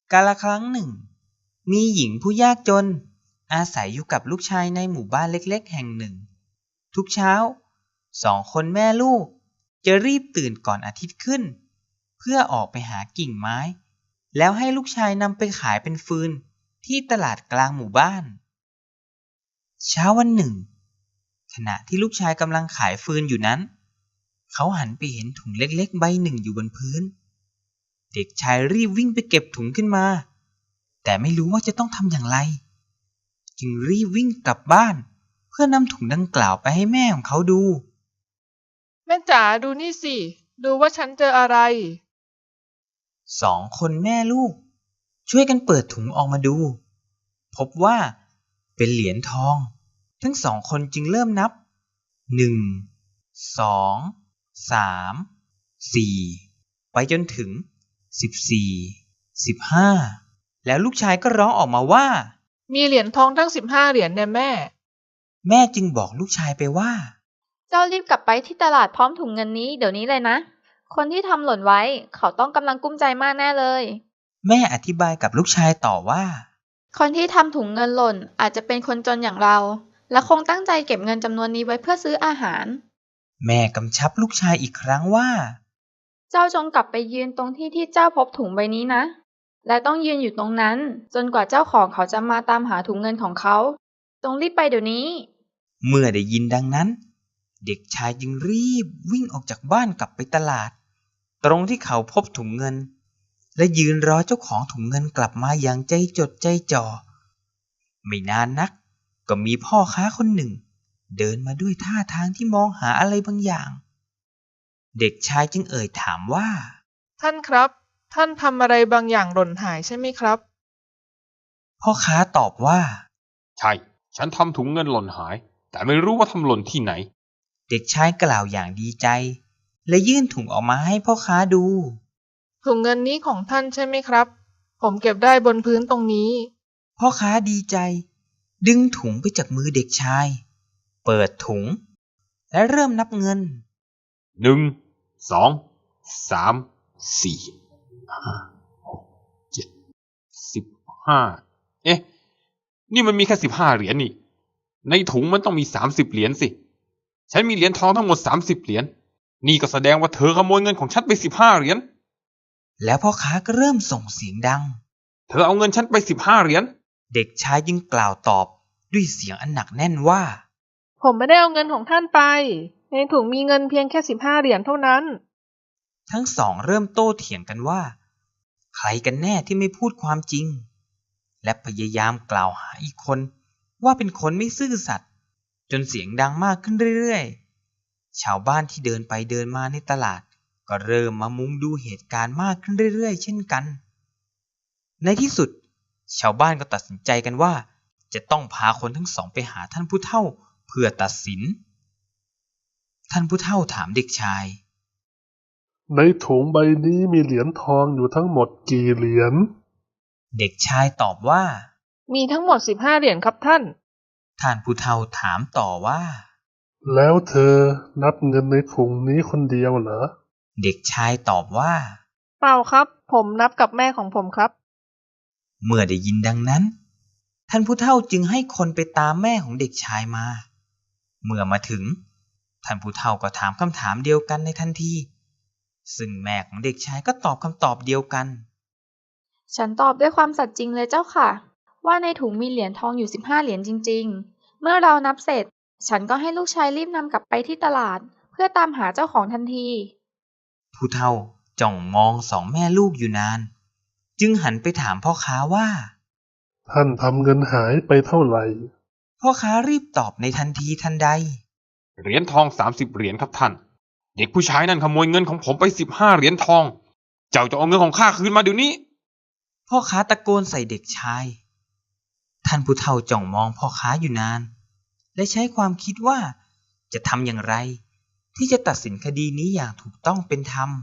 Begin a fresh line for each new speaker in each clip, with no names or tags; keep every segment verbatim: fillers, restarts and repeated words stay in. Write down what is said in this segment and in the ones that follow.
กาลครั้งหนึ่งมีหญิงผู้ยากจนอาศัยอยู่กับลูกชายในหมู่บ้านเล็กๆแห่งหนึ่งทุกเช้าสองคนแม่ลูกจะรีบตื่นก่อนอาทิตย์ขึ้นเพื่อออกไปหากิ่งไม้แล้วให้ลูกชายนำไปขายเป็นฟืนที่ตลาดกลางหมู่บ้านเช้าวันหนึ่งขณะที่ลูกชายกำลังขายฟืนอยู่นั้นเขาหันไปเห็นถุงเล็กๆใบหนึ่งอยู่บนพื้นเด็กชายรีบวิ่งไปเก็บถุงขึ้นมาแต่ไม่รู้ว่าจะต้องทำอย่างไรจึงรีบวิ่งกลับบ้านเพื่อนำถุงดังกล่าวไปให้แม่ของเขาดู
แม่จ๋าดูนี่สิดูว่าฉันเจออะไร
สองคนแม่ลูกช่วยกันเปิดถุงออกมาดูพบว่าเป็นเหรียญทองทั้งสองคนจึงเริ่มนับหนึ่งสองสามสี่ไปจนถึงสิบสี่สิบห้าแล้วลูกชายก็ร้องออกมาว่า
มีเหรียญทองทั้งสิบห้าเหรียญเนี่ยแม่
แม่จึงบอกลูกชายไปว่า
เจ้ารีบกลับไปที่ตลาดพร้อมถุงเงินนี้เดี๋ยวนี้เลยนะคนที่ทำหล่นไว้เขาต้องกำลังกุ้มใจมากแน่เลย
แม่อธิบายกับลูกชายต่อว่า
คนที่ทำถุงเงินหล่นอาจจะเป็นคนจนอย่างเราและคงตั้งใจเก็บเงินจำนวนนี้ไว้เพื่อซื้ออาหาร
แม่กำชับลูกชายอีกครั้งว่า
เจ้าจงกลับไปยืนตรงที่ที่เจ้าพบถุงใบนี้นะและต้องยืนอยู่ตรงนั้นจนกว่าเจ้าของเขาจะมาตามหาถุงเงินของเขาจงรีบไปเดี๋ยวนี้
เมื่อได้ยินดังนั้นเด็กชายจึงรีบวิ่งออกจากบ้านกลับไปตลาดตรงที่เขาพบถุงเงินและยืนรอเจ้าของถุงเงินกลับมาอย่างใจจดใจจ่อไม่นานนักก็มีพ่อค้าคนหนึ่งเดินมาด้วยท่าทางที่มองหาอะไรบางอย่างเด็กชายจึงเอ่ยถามว่า
ท่านครับท่านทำอะไรบางอย่างหล่นหายใช่ไหมครับ
พ่อค้าตอบว่า
ใช่ฉันทำถุงเงินหล่นหายแต่ไม่รู้ว่าทำหล่นที่ไหน
เด็กชายกล่าวอย่างดีใจและยื่นถุงออกมาให้พ่อค้าดู
ถุงเงินนี้ของท่านใช่ไหมครับผมเก็บได้บนพื้นตรงนี้
พ่อค้าดีใจดึงถุงไปจากมือเด็กชายเปิดถุงและเริ่มนับเงิน
หนึ่งสองสามสี่ห้าหกเจ็ดสิบห้าเอ๊ะนี่มันมีแค่สิบห้าเหรียญนี่ในถุงมันต้องมีสามสิบเหรียญสิฉันมีเหรียญทองทั้งหมดสามสิบเหรียญนี่ก็แสดงว่าเธอขโมยเงินของฉันไปสิบห้าเหรียญ
แล้วพ่อค้าก็เริ่มส่งเสียงดัง
เธอเอาเงินฉันไปสิบห้าเหรียญ
เด็กชายจึงกล่าวตอบด้วยเสียงอันหนักแน่นว่า
ผมไม่ได้เอาเงินของท่านไปในถุงมีเงินเพียงแค่สิบห้าเหรียญเท่านั้น
ทั้งสองเริ่มโต้เถียงกันว่าใครกันแน่ที่ไม่พูดความจริงและพยายามกล่าวหาอีกคนว่าเป็นคนไม่ซื่อสัตย์จนเสียงดังมากขึ้นเรื่อยๆชาวบ้านที่เดินไปเดินมาในตลาดก็เริ่มมามุงดูเหตุการณ์มากขึ้นเรื่อยๆเช่นกันในที่สุดชาวบ้านก็ตัดสินใจกันว่าจะต้องพาคนทั้งสองไปหาท่านผู้เฒ่าเพื่อตัดสินท่านผู้เฒ่าถามเด็กชาย
ในถุงใบนี้มีเหรียญทองอยู่ทั้งหมดกี่เหรียญ
เด็กชายตอบว่า
มีทั้งหมดสิบห้าเหรียญครับท่าน
ท่านผู้เฒ่าถามต่อว่า
แล้วเธอนับเงินในถุงนี้คนเดียวเหรอ
เด็กชายตอบว่า
เปล่าครับผมนับกับแม่ของผมครับ
เมื่อได้ยินดังนั้นท่านผู้เฒ่าจึงให้คนไปตามแม่ของเด็กชายมาเมื่อมาถึงท่านผู้เฒ่าก็ถามคำถามเดียวกันในทันทีซึ่งแม่ของเด็กชายก็ตอบคำตอบเดียวกัน
ฉันตอบด้วยความสัตย์จริงเลยเจ้าค่ะว่าในถุงมีเหรียญทองอยู่สิบห้าเหรียญจริงๆเมื่อเรานับเสร็จฉันก็ให้ลูกชายรีบนำกลับไปที่ตลาดเพื่อตามหาเจ้าของทันที
ผู้เฒ่าจ้องมองสองแม่ลูกอยู่นานจึงหันไปถามพ่อค้าว่า
ท่านทำเงินหายไปเท่าไหร่
พ่อค้ารีบตอบในทันทีทันใด
เหรียญทองสามสิบเหรียญครับท่านเด็กผู้ชายนั่นขโมยเงินของผมไปสิบห้าเหรียญทองเจ้าจะเอาเงินของข้าคืนมาเดี๋ยวนี้
พ่อค้าตะโกนใส่เด็กชายท่านผู้เฒ่าจ้องมองพ่อค้าอยู่นานและใช้ความคิดว่าจะทำอย่างไรที่จะตัดสินคดีนี้อย่างถูกต้องเป็นธรรม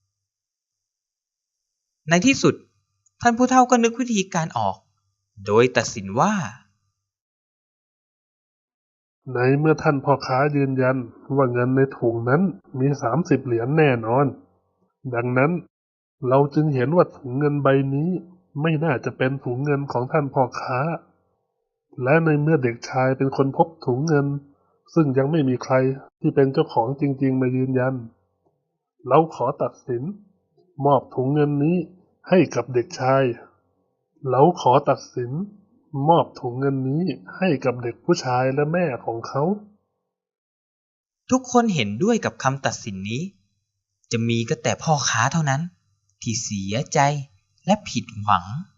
ในที่สุดท่านผู้เฒ่าก็นึกวิธีการออกโดยตัดสินว่า
ในเมื่อท่านพ่อค้ายืนยันว่าเงินในถุงนั้นมีสามสิบเหรียญแน่นอนดังนั้นเราจึงเห็นว่าถุงเงินใบนี้ไม่น่าจะเป็นถุงเงินของท่านพ่อค้า และในเมื่อเด็กชายเป็นคนพบถุงเงิน ซึ่งยังไม่มีใครที่เป็นเจ้าของจริงๆมายืนยัน เราขอตัดสิน มอบถุงเงินนี้ให้กับเด็กชาย เราขอตัดสิน มอบถุงเงินนี้ให้กับเด็กผู้ชายและแม่ของเขา
ทุกคนเห็นด้วยกับคำตัดสินนี้ จะมีก็แต่พ่อค้าเท่านั้นที่เสียใจและผิดหวัง